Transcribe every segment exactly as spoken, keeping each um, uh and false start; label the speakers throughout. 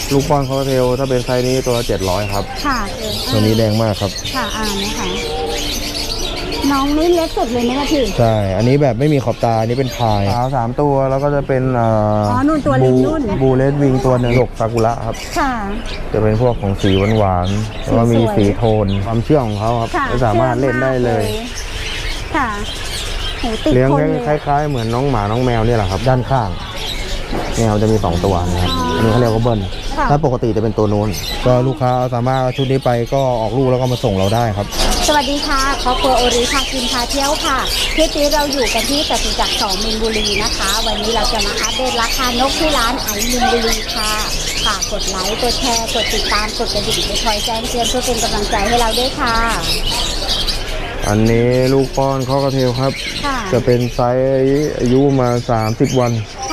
Speaker 1: ลูกป้อนคอร์เทลถ้าเป็นไซส์นี้ตัวเจ็ดร้อยครับ
Speaker 2: ค่ะ
Speaker 1: ตัวนี้แดงมากครับ
Speaker 2: ค่ะอ่านะคะน้องนี่เล็กสุดเลยไหมคะพี่
Speaker 1: ใช่อันนี้แบบไม่มีขอบตาอันนี้เป็นพายขาวสามตัวแล้วก็จะเป็นอ๋
Speaker 2: อนุ่นตัวลิงนุ่น
Speaker 1: บูเลสวิงตัวหนึ่งหยกซากุระครับ
Speaker 2: ค่ะ
Speaker 1: จะเป็นพวกของสีหวานๆแล้วก็มีสีโทนความเชื่องของเขาครับสามารถเล่นได้เลย
Speaker 2: ค่ะ
Speaker 1: เลี้ยงคล้ายๆเหมือนน้องหมาน้องแมวเนี่ยแหละครับด้านข้างแมวจะมีสองตัวนะครับอันนี้เขาเรียกว่าเบิ้ลถ้าปกติจะเป็นตัวนู้นก็ลูกค้าสามารถชุดนี้ไปก็ออกลูกแล้วก็มาส่งเราได้ครับ
Speaker 2: สวัสดีค่ะครอบครัวโอริพากินพาเที่ยวค่ะคลิปนี้เราอยู่กันที่จตุจักรสองมินบุรีนะคะวันนี้เราจะมาอัปเดตราคานกที่ร้านไอมินบุรีค่ะฝากกดไลค์กดแชร์กดติดตามกดกระดิ่งคอยแจ้งเตือนเพื่อเป็นกำลังใจให้เราด้วยค่ะ
Speaker 1: อันนี้ลูกป้อนคอกระเทลครับจะเป็นไซส์อายุมาสามสิบวัน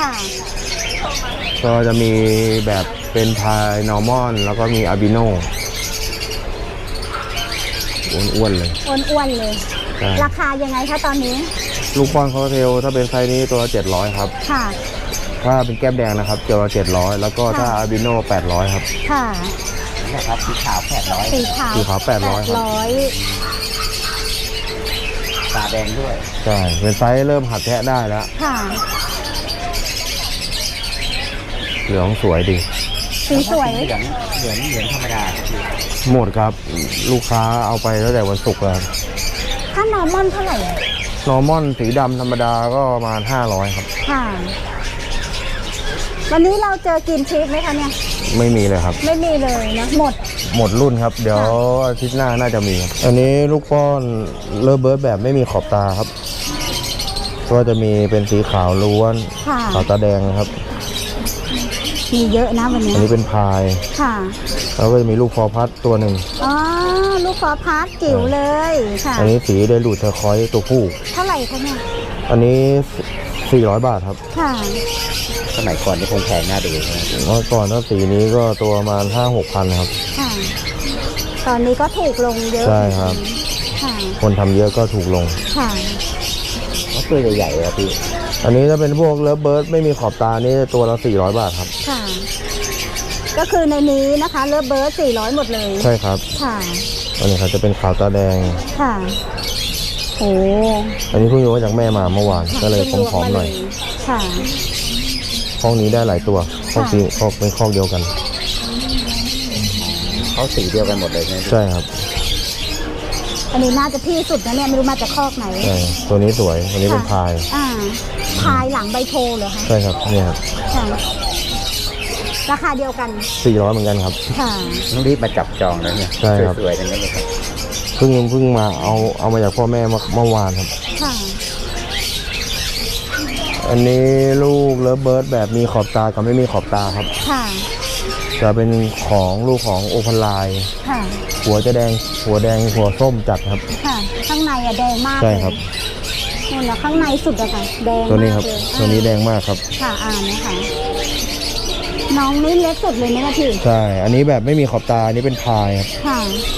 Speaker 1: ก็จะมีแบบเป็นพายนอร์มอนแล้วก็มีอาบิโนอ้วนๆเลย
Speaker 2: อ้วนๆเลยราคายังไงคะตอนนี้
Speaker 1: ลูกป้อนคอกระเทลถ้าเป็นไซส์นี้ตัวเจ็ดร้อยครับค่ะถ้าเป็นแก้มแดงนะครับตัวละเจ็ดร้อยแล้วก็ถ้าอาบิโนแปดร้อยครับ
Speaker 2: ค่ะ
Speaker 3: นะครับสีขาวแปดร้อย
Speaker 2: สีขาว
Speaker 1: สีขาวแปดร้อยครับ
Speaker 3: ตาแดงด้วย
Speaker 1: ใช่เป็นไซส์เริ่มหัดแทะได้แล้ว
Speaker 2: ค่ะ
Speaker 1: เหลืองสวยดี
Speaker 2: สีสวย
Speaker 3: เหลืองเหลืองเหลืองธรรมดา
Speaker 1: หมดครับลูกค้าเอาไปตั้งแต่วันศุกร์แล้ว
Speaker 2: ถ้านอร์มอนเท่าไหร่
Speaker 1: นอร์มอนสีดำธรรมดาก็ประมาณห้าร้อยครับ
Speaker 2: ค่ะวันนี้เราเจอกินชีสไหมคะเนี่ย
Speaker 1: ไม่มีเลยครับ
Speaker 2: ไม่มีเลยนะหมด
Speaker 1: หมดรุ่นครับเดี๋ยวอาทิตย์หน้าน่าจะมีอันนี้ลูกป้อนเลอเบิร์ดแบบไม่มีขอบตาครับก็จะมีเป็นสีขาวล้วนขาวตาแดงครับ
Speaker 2: มีเยอะนะวันนี้
Speaker 1: อันนี้เป็นพาย
Speaker 2: ค่ะ
Speaker 1: แล้วก็จะมีลูกฟอร์พัดตัวหนึ่ง
Speaker 2: อ๋อลูกฟอร์พัดจิ๋วเลยค่ะ
Speaker 1: อันนี้สีไดรูดเทอร์คอยส์ตัวผู้
Speaker 2: เท่าไหร่คะเนี่ย
Speaker 1: อันนี้สี่ร้อยบาทครับ
Speaker 2: ค่ะ
Speaker 3: สมัยก่อนนี่คงแพงน่าดูใช่ไหม
Speaker 1: เมื่อก่อนถ้าสีนี้ก็ตัวประมาณห้าหกพันครับ
Speaker 2: ค่ะตอนนี้ก็ถูกลงเยอะ
Speaker 1: ใช่ครับ
Speaker 2: ค่ะ
Speaker 1: คนทำเยอะก็ถูกลง
Speaker 2: ค่ะ
Speaker 3: ตัวใหญ่ๆเลยพี่
Speaker 1: อันนี้ถ้าเป็นพวกเลิฟเบิร์ดไม่มีขอบตานี่ตัวละสี่ร้อยบาทครับ
Speaker 2: ค่ะก็คือในนี้นะคะเลิฟเบิร์ดสี่ร้อยหมดเลย
Speaker 1: ใช่ครับ
Speaker 2: ค่ะ
Speaker 1: อันนี้ครับจะเป็นขาวตาแดง
Speaker 2: ค่ะโอ้
Speaker 1: อันนี้เพิ่งอยู่มาจากแม่มาเมื่อวานก็เลยผอมๆหน่อย
Speaker 2: ค่ะ
Speaker 1: ห้องนี้ได้หลายตัวห้องนี้ก็เป็นห้องเดียวกัน
Speaker 3: เขาสีเดียวกันหมดเลย
Speaker 1: ใช่ครับ
Speaker 2: อันนี้น่าจะที่สุดนะเนี่ยไม่รู้มาจากคอกไหน
Speaker 1: ใช่ตัวนี้สวยตัวนี้เป็นพาย
Speaker 2: อ่าพายหลังใบโพเหรอคะ
Speaker 1: ใช่ครับเนี่ยครับ
Speaker 2: ราคาเดียวกัน
Speaker 1: สี่ร้อยเหมือนกันครับ
Speaker 2: ค่ะ
Speaker 3: ต้องรีบมาจับจองแล้วเนี่ย
Speaker 1: ใช่ครับ
Speaker 3: สวยๆกันเลยครับ
Speaker 1: เพิ่งเพิ่งมาเอาเอามาจากพ่อแม่เมื่อวานครับ
Speaker 2: ค่ะ
Speaker 1: อันนี้ลูกเลิฟเบิร์ดแบบมีขอบตากับไม่มีขอบตาครับ
Speaker 2: ค่ะ
Speaker 1: จะเป็นของลูกของโอพันไลน์
Speaker 2: ค่ะ
Speaker 1: หัวจะแดงหัวแดงหัวส้มจัดครับ
Speaker 2: ค่ะข้างในอะแดงมาก
Speaker 1: ใช่ครับ
Speaker 2: นี่แหละข้างในสุดอะค่ะแดง
Speaker 1: ตัวนี้ครับตัวนี้แดงมากครับ
Speaker 2: ค่ะอ่านนะคะน้องนี่เล็กสุดเลยไหมคะพี่
Speaker 1: ใช่อันนี้แบบไม่มีขอบตาอันนี้เป็นพายครับ
Speaker 2: ค่ะ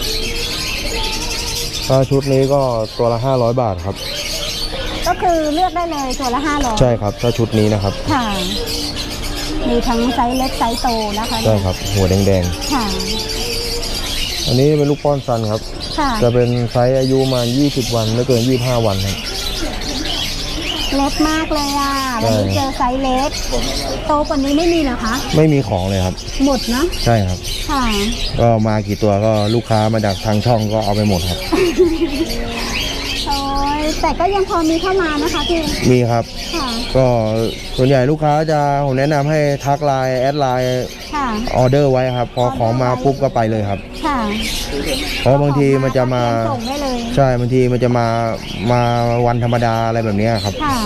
Speaker 1: ถ้าชุดนี้ก็ตัวละห้าร้อยบาทครับ
Speaker 2: ก็คือเลือกได้เลยตัวละห้าร้อย
Speaker 1: ใช่ครับถ้าชุดนี้นะครับ
Speaker 2: ค่ะมีทั้งไซส์เล็กไซส์โตนะคะ
Speaker 1: ใช่ครับหัวแดง
Speaker 2: ๆค่ะ
Speaker 1: อันนี้เป็นลูกป้อนซันครับ
Speaker 2: ค่ะ
Speaker 1: จะเป็นไซส์อายุมายี่สิบวันไม่เกินยี่สิบห้าวันครับ
Speaker 2: เล็กมากเลยอ่ะวันนี้เจอไซส์เล็กโตกว่านี้ไม่มีเหรอคะ
Speaker 1: ไม่มีของเลยครับ
Speaker 2: หมดนะ
Speaker 1: ใช่ครับ
Speaker 2: ค่ะ
Speaker 1: ก็มากี่ตัวก็ลูกค้ามาจากทางช่องก็เอาไปหมดครับ
Speaker 2: โอ้ยแต่ก็ยังพอมีเข้ามานะคะพี่
Speaker 1: มีครับ
Speaker 2: ค่ะ
Speaker 1: ก็ส่วนใหญ่ลูกค้าจะผมแนะนำให้ทักไลน์แอดไลน์ออเดอร์ไว้ครับพอของมาปุ๊บก็ไปเลยครับ
Speaker 2: ค่ะ
Speaker 1: เพราะบางทีมันจะมาใช่บางทีมันจะมามาวันธรรมดาอะไรแบบนี้ครับ
Speaker 2: ค่ะ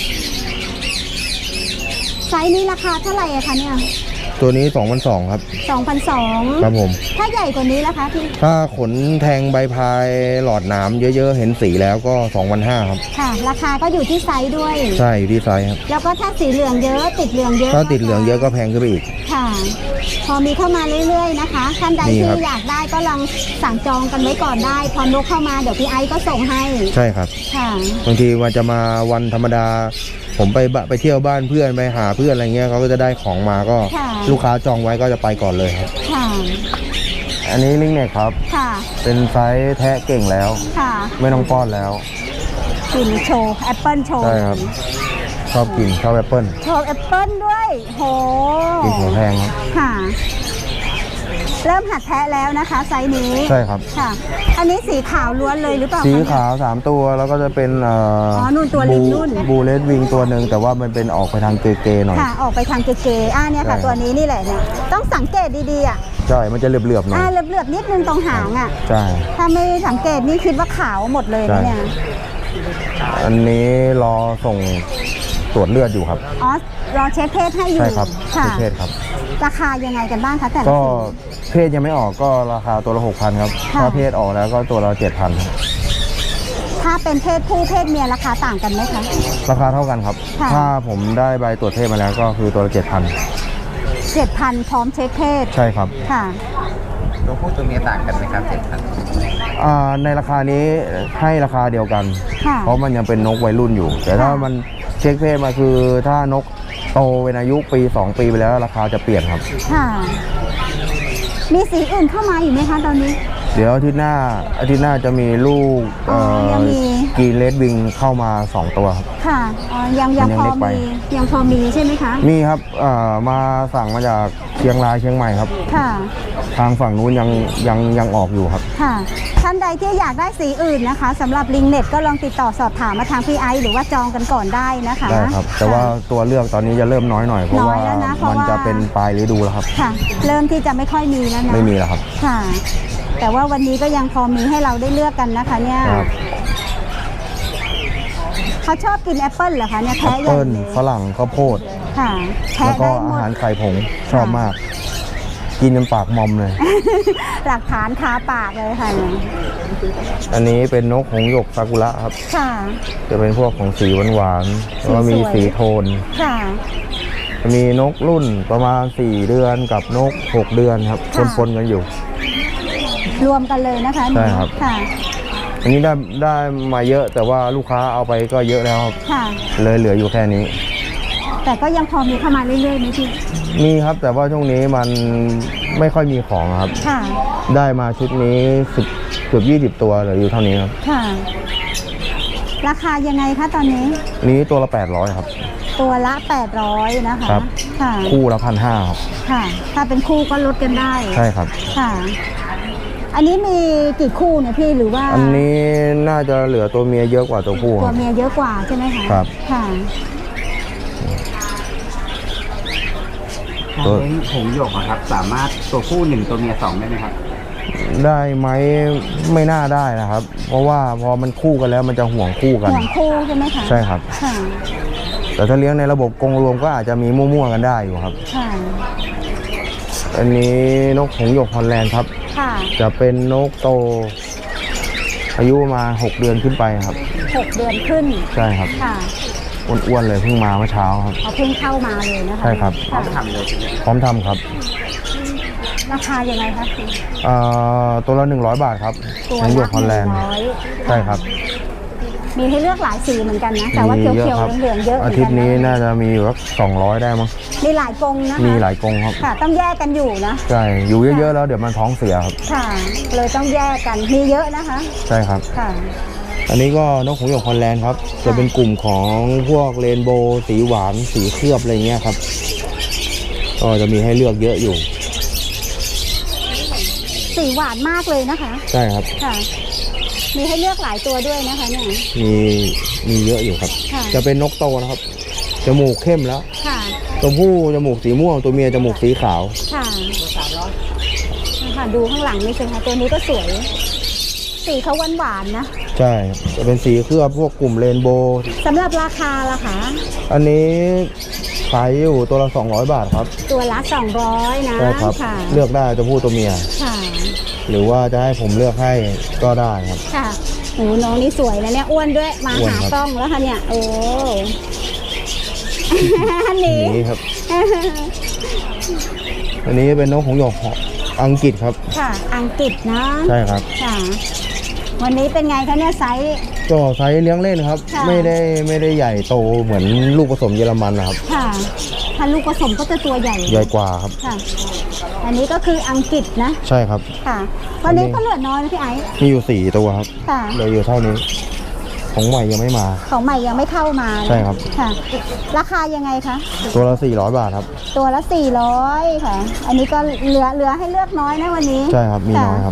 Speaker 2: ไซส์นี้ราคาเท่าไหร่อะคะเนี่ย
Speaker 1: ตัวนี้ สองพันสองร้อย ครับ
Speaker 2: สองพันสองร้อย
Speaker 1: ครับผม
Speaker 2: ถ้าใหญ่กว่านี้ล่ะคะพี่
Speaker 1: ถ้าขนแทงใบพายหลอดหนามเยอะๆเห็นสีแล้วก็ สองพันห้าร้อย ครับ
Speaker 2: ค่ะราคาก็อยู่ที่ไซส์ด้วย
Speaker 1: ใช่อยู่ที่ไซส์ครับ
Speaker 2: แล้วก็ถ้าสีเหลืองเยอะติดเหลืองเยอะ
Speaker 1: ถ้าติดเหลืองเยอะก็แพงขึ้นไปอีก
Speaker 2: ค่ะพอมีเข้ามาเรื่อยๆนะคะท่านใดที่อยากได้ก็ลองสั่งจองกันไว้ก่อนได้พอนกเข้ามาเดี๋ยวพี่ไอซ์ก็ส่งให้
Speaker 1: ใช่ครับ
Speaker 2: ค่ะ
Speaker 1: บางทีมันจะมาวันธรรมดาผมไปบะไปเที่ยวบ้านเพื่อนไปหาเพื่อนอะไรเงี้ยเขาก็จะได้ของมาก็
Speaker 2: ค่ะ
Speaker 1: ลูกค้าจองไว้ก็จะไปก่อนเลยครับ
Speaker 2: ค่ะ
Speaker 1: อันนี้ลิงเน็กครับ
Speaker 2: ค่ะ
Speaker 1: เป็นไซส์แทะเก่งแล้ว
Speaker 2: ค่ะ
Speaker 1: ไม่ต้องป้อนแล้ว
Speaker 2: กินโชว์แอปเปิลโชว์
Speaker 1: ใช่ครับ ชอบกินชอบแอปเปิ้ล
Speaker 2: โชว์แอปเปิลด้วยโห
Speaker 1: กินหัวแพงครับ
Speaker 2: ค่ะ เริ่มหัดแทะแล้วนะคะไซส์นี้
Speaker 1: ใช่ครับ
Speaker 2: ค่ะ อันนี้สีขาวล้วนเลยหรือเปล่า
Speaker 1: สี
Speaker 2: คะ
Speaker 1: ขาวสามตัวแล้วก็จะเป็นเอ่อ
Speaker 2: อ๋อนู่นตัวลิง
Speaker 1: บู
Speaker 2: นู่น
Speaker 1: บูเลสวิงตัวหนึ่งแต่ว่ามันเป็นออกไปทางเกย์ๆหน่อย
Speaker 2: ค่ะ ออกไปทางเกย์ๆอ่าเนี่ยค่ะ
Speaker 1: ใช่
Speaker 2: ตัวนี้นี่แหละเนี่ยต้องสังเกตดีๆอ่ะ
Speaker 1: ใช่มันจะเหลือบๆหน่อย
Speaker 2: อ่าเหลือบๆนิดนึงตรงหางอ่ะ
Speaker 1: ใช่
Speaker 2: ถ้าไม่สังเกตนี่คิดว่าขาวหมดเลยนะเนี่ย
Speaker 1: อันนี้รอส่งตรวจเลือดอยู่ครับ
Speaker 2: อ๋อรอเช็คเพศให้อยู่
Speaker 1: ใช่ครับ
Speaker 2: ค่ะ
Speaker 1: เพศครับ
Speaker 2: ราคายังไงกันบ้างคะแต่ละ
Speaker 1: ก็
Speaker 2: สี
Speaker 1: เพศยังไม่ออกก็ราคาตัวละหกพันครับ
Speaker 2: ค่ะ
Speaker 1: ถ้าเพศออกแล้วก็ตัวละเจ็ดพันครับ
Speaker 2: ถ้าเป็นเพศผู้เพศเมียราคาต่างกันไหมคะ
Speaker 1: ราคาเท่ากันครับ
Speaker 2: ค่ะ
Speaker 1: ถ้าผมได้ใบตรวจเพศมาแล้วก็คือตัวละเจ็ดพัน
Speaker 2: เจ็ดพันพร้อมเช็คเพศ
Speaker 1: ใช่ครับ
Speaker 2: ค่ะ
Speaker 3: ตัวผู้ตัวเมียต่างกันไหมครับเจ็ดพัน
Speaker 1: อ่าในราคานี้ให้ราคาเดียวกัน
Speaker 2: ค่ะ
Speaker 1: เพราะมันยังเป็นนกวัยรุ่นอยู่ แต่ถ้า
Speaker 2: ค่ะ
Speaker 1: มันเช็คเพศมาคือถ้านกโตเป็นอายุปีสองปีไปแล้วราคาจะเปลี่ยนครับ
Speaker 2: ค่ะ มีสีอื่นเข้ามาอยู่ไหมคะตอนนี้
Speaker 1: เดี๋ยวอาทิตย์หน้าอาทิตย์หน้าจะมีลูก
Speaker 2: อ๋อยังมี
Speaker 1: กรีนเลดวิงเข้ามาสองตัวครับ
Speaker 2: ค่ะอ๋อยังยัง
Speaker 1: มันยัง
Speaker 2: พอ
Speaker 1: เล็กไป
Speaker 2: มียังพอมีใช่ไหมคะ
Speaker 1: มีครับอ่ามาสั่งมาจากเชียงรายเชียงใหม่ครับ
Speaker 2: ค่ะ
Speaker 1: ทางฝั่งนู้นยังยังยังออกอยู่ครับ
Speaker 2: ค่ะ ท่านใดที่อยากได้สีอื่นนะคะสำหรับลิงเน็ตก็ลองติดต่อสอบถามมาทางพี่ไอซ์หรือว่าจองกันก่อนได้นะคะ
Speaker 1: ได้ครับ แต่ว่าตัวเลือกตอนนี้จะเริ่มน้อยหน่อยเพราะ
Speaker 2: น้อ
Speaker 1: ว่าย
Speaker 2: แล้วนะเพราะ
Speaker 1: มัน
Speaker 2: ว่า
Speaker 1: จะเป็นปลายฤดูแล้วครับ
Speaker 2: ค่ะ เริ่มที่จะไม่ค่อยมีแล้วนะ
Speaker 1: ไม่มีแล้วครับ
Speaker 2: ค่ะ แต่ว่าวันนี้ก็ยังพอมีให้เราได้เลือกกันนะคะเนี่ย
Speaker 1: ครับ
Speaker 2: เขาชอบกินแอปเปิ้ลเหรอคะเนี่ย
Speaker 1: แอ
Speaker 2: แท้
Speaker 1: ป
Speaker 2: ใหญ่
Speaker 1: เปิ้ล
Speaker 2: เลย
Speaker 1: ฝรั่งข้าวโพด
Speaker 2: ค่ะแท้
Speaker 1: แล้วก็
Speaker 2: ได้ห
Speaker 1: อาม
Speaker 2: ด
Speaker 1: หารไข่ผงชอบมาก กินจนปากมอมเลย
Speaker 2: หลักฐานคาปากเลยค่ะเนี่ย
Speaker 1: อันนี้เป็นนกหงส์หยกซากุระครับ
Speaker 2: ค่ะ
Speaker 1: จะเป็นพวกของสีหวานๆแล้วก็มี
Speaker 2: สวยๆ
Speaker 1: สีโทน
Speaker 2: ค่ะ
Speaker 1: จะมีนกรุ่นประมาณสี่เดือนกับนกหกเดือนครับ
Speaker 2: ค่ะ
Speaker 1: ปนๆกันอยู่
Speaker 2: รวมกันเลยนะคะ
Speaker 1: ใช่ครับ
Speaker 2: ค่ะ
Speaker 1: อันนี้ได้ได้มาเยอะแต่ว่าลูกค้าเอาไปก็เยอะแล้วครับ
Speaker 2: ค่ะ
Speaker 1: เลยเหลืออยู่แค่นี้
Speaker 2: แต่ก็ยังพอมีเข้ามาเรื่อยๆไหมพี่
Speaker 1: มีครับแต่ว่าช่วงนี้มันไม่ค่อยมีของครับ
Speaker 2: ค่ะ
Speaker 1: ได้มาชุดนี้สิบเกือบยี่สิบตัวเหลืออยู่เท่านี้ครับ
Speaker 2: ค่ะ ราคายังไงคะตอนนี้
Speaker 1: อันนี้ตัวละแปดร้อยครับ
Speaker 2: ตัวละแปดร้อยนะคะ
Speaker 1: ครับ
Speaker 2: ค่ะ
Speaker 1: คู่ละพันห้าครับ
Speaker 2: ค่ะ ถ้าเป็นคู่ก็ลดกันได้
Speaker 1: ใช่ครับ
Speaker 2: ค่ะ อันนี้มีกี่คู่เนี่ยพี่หรือว่า
Speaker 1: อันนี้น่าจะเหลือตัวเมียเยอะกว่าตัวผู้ค
Speaker 2: ตัว
Speaker 1: รับ
Speaker 2: เมียเยอะกว่าใช่ไหมคะ
Speaker 1: ครับ
Speaker 2: ค่ะ
Speaker 1: ตัว
Speaker 3: เลี้ยงหงส์หยกอะครับ สามารถตัวผู้หนึ่งตัวเมียสองได้ไหมครับ
Speaker 1: ได้ไหมไม่น่าได้นะครับ เพราะว่าพอมันคู่กันแล้วมันจะห่วงคู่กัน
Speaker 2: ห่วงคู่ใช่ไหมคะ
Speaker 1: ใช่ครับ
Speaker 2: ค่ะ
Speaker 1: แต่ถ้าเลี้ยงในระบบกรงรวมก็อาจจะมีมั่วๆกันได้อยู่ครับ
Speaker 2: ค่ะ
Speaker 1: อันนี้นกหงส์หยกฮอลแลนด์ครับ
Speaker 2: ค่ะ
Speaker 1: จะเป็นนกโต อายุประมาณหกเดือนขึ้นไปครับ
Speaker 2: หกเดือนขึ้น
Speaker 1: ใช่ครับ
Speaker 2: ค่ะ
Speaker 1: อ้วนๆเลยเพิ่งมาเมื่อเช้าครับ
Speaker 2: เขาเพิ่งเข้ามาเลยนะคะ
Speaker 1: ใช่ครับ
Speaker 2: ค่ะ
Speaker 3: ทำเลยใช่ไหม
Speaker 1: พร้อมทำครับ
Speaker 2: ราคายังไงคะ
Speaker 1: เอ่อตัวละหนึ่งร้อยบาทครับ
Speaker 2: ตัว
Speaker 1: หงส์หย
Speaker 2: ละ
Speaker 1: กฮอลแลนด์
Speaker 2: หนึ่งร้อย
Speaker 1: ใช่ครับ
Speaker 2: มีให้เลือกหลายสีเหมือนกันนะ แต่ว่า
Speaker 1: มี
Speaker 2: เขียว
Speaker 1: อะครับ
Speaker 2: ๆเหลืองๆเยอะเหมื
Speaker 1: อา
Speaker 2: อน
Speaker 1: ทิต
Speaker 2: กัน
Speaker 1: ย์นี้
Speaker 2: นะ
Speaker 1: น่าจะมีอยู่สักสองร้อยได้มั้ง
Speaker 2: มีหลายกรงนะคะ
Speaker 1: มีหลายกรงครับ
Speaker 2: ค่ะ ต้องแยกกันอยู่นะ
Speaker 1: ใช่อยู่เยอะๆแล้วเดี๋ยวมันท้องเสียครับ
Speaker 2: ค่ะ เลยต้องแยกกัน มีเยอะนะคะ
Speaker 1: ใช่ครับ
Speaker 2: ค่ะ
Speaker 1: อันนี้ก็นกหงส์หยกฮอลแลนด์ครับ จะเป็นกลุ่มของพวกเรนโบว์สีหวานสีเคลือบอะไรเงี้ยครับ ก็จะมีให้เลือกเยอะอยู่
Speaker 2: สีหวานมากเลยนะคะ
Speaker 1: ใช่ครับ
Speaker 2: ค่ะ มีให้เลือกหลายตัวด้วยนะคะเนี่ย
Speaker 1: มีมีเยอะอยู่ครับ
Speaker 2: ค่ะ
Speaker 1: จะเป็นนกโตนะครับ จมูกเข้มแล้ว
Speaker 2: ค่ะ
Speaker 1: ตัวผู้จมูกสีม่วง ตัวเมียจมูกสีขาว
Speaker 2: ค่ะค่ะ ดูข้างหลังนี่สิคะตัวนี้ก็สวย สีเขาหวานๆนะ
Speaker 1: ใช่ จะเป็นสีเคลือบพวกกลุ่มเรนโบว์
Speaker 2: สำหรับราคาล่ะคะ
Speaker 1: อันนี้ขายอยู่ตัวละสองร้อยบาทครับ
Speaker 2: ตัวละสองร้อยนะ
Speaker 1: ใช่ครับ
Speaker 2: ค่ะ
Speaker 1: เลือกได้ตัวผู้ตัวเมีย
Speaker 2: ค่ะ
Speaker 1: หรือว่าจะให้ผมเลือกให้ก็ได้ครับ
Speaker 2: ค่ะโอ้น้องนี่สวยนะเนี่ยอ้วนด้วย มา
Speaker 1: อ้วน
Speaker 2: หา
Speaker 1: ครับ
Speaker 2: กล้องแล้วค่ะเนี่ย โอ้ อันนี้
Speaker 1: นี่ครับ อันนี้เป็นนกหงส์หยกอังกฤษครับ
Speaker 2: ค่ะ อังกฤษนะ
Speaker 1: ใช่ครับ
Speaker 2: ค่ะ วันนี้เป็นไงคะเนี่ยไซส์
Speaker 1: ก็ไซส์เลี้ยงเล่นครับ
Speaker 2: ค่ะ
Speaker 1: ไม่ได้ไม่ได้ใหญ่โตเหมือนลูกผสมเยอรมันนะครับ
Speaker 2: ค่ะ ถ้าลูกผสมก็จะตัวใหญ่
Speaker 1: ใหญ่กว่าครับ
Speaker 2: ค่ะ อันนี้ก็คืออังกฤษนะ
Speaker 1: ใช่ครับ
Speaker 2: ค่ะวันนี้ก็เหลือน้อยนะพี่ไอซ์
Speaker 1: มีอยู่สี่ตัวครับ
Speaker 2: ค่ะ
Speaker 1: เหลยอยู่เท่านี้ ของใหม่ยังไม่มา
Speaker 2: ของใหม่ยังไม่เข้ามานะ
Speaker 1: ใช่ครับ
Speaker 2: ค่ะ ราคายังไงคะ
Speaker 1: ตัวละสี่ร้อยบาทครับ
Speaker 2: ตัวละสี่ร้อยค่ะ อันนี้ก็เหลือเหลือให้เลือกน้อยนะวันนี้
Speaker 1: ใช่ครับมีน้อยครับ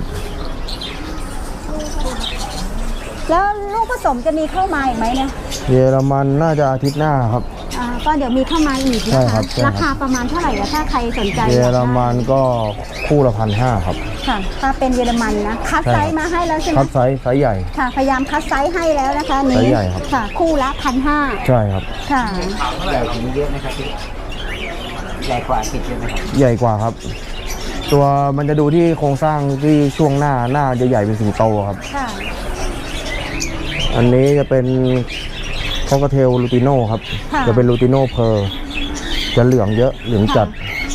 Speaker 2: แล้วลูกผสมจะมีเข้ามาอีกไหมเนี่ย
Speaker 1: เยอรมันน่าจะอาทิตย์หน้าครับ
Speaker 2: อ่าก็เดี๋ยวมีเข้ามาอีก
Speaker 1: ใช่
Speaker 2: นะ
Speaker 1: ครั
Speaker 2: คะ
Speaker 1: บใช่ครับ
Speaker 2: ราคาประมาณเท่าไหร่อะถ้าใครสนใจ
Speaker 1: เยอรมันก็คู่ละพันห้าครับ
Speaker 2: ค่ะ ถ้าเป็นเยอรมันนะคัด
Speaker 1: ใช่
Speaker 2: ไซ
Speaker 1: ครับ
Speaker 2: ส์มาให้แล้วใช่ไหม
Speaker 1: คัดไซส์ไซส์ใหญ่
Speaker 2: ค่ะ พยายามคัดไซส์ให้แล้วนะคะอัน
Speaker 1: ไซ
Speaker 2: นี้
Speaker 1: ส์ใหญ่ครับ
Speaker 2: ค่ะ คู่ละพันห้า
Speaker 1: ใช่ครับ
Speaker 2: ค่ะ
Speaker 3: ใหญ่กว่านี้เยอะไหมครับพี่ใหญ่กว่าติดเยอะไหมครับ
Speaker 1: ใหญ่กว่าครับ ตัวมันจะดูที่โครงสร้างที่ช่วงหน้าหน้าจะใหญ่เป็นสิงโตครับ
Speaker 2: ค่ะ
Speaker 1: อันนี้จะเป็นคอกเทลลูติโน่ครับ
Speaker 2: ค่ะ
Speaker 1: จะเป็นลูติโน่เพอร์จะเหลืองเยอะเหลืองจัด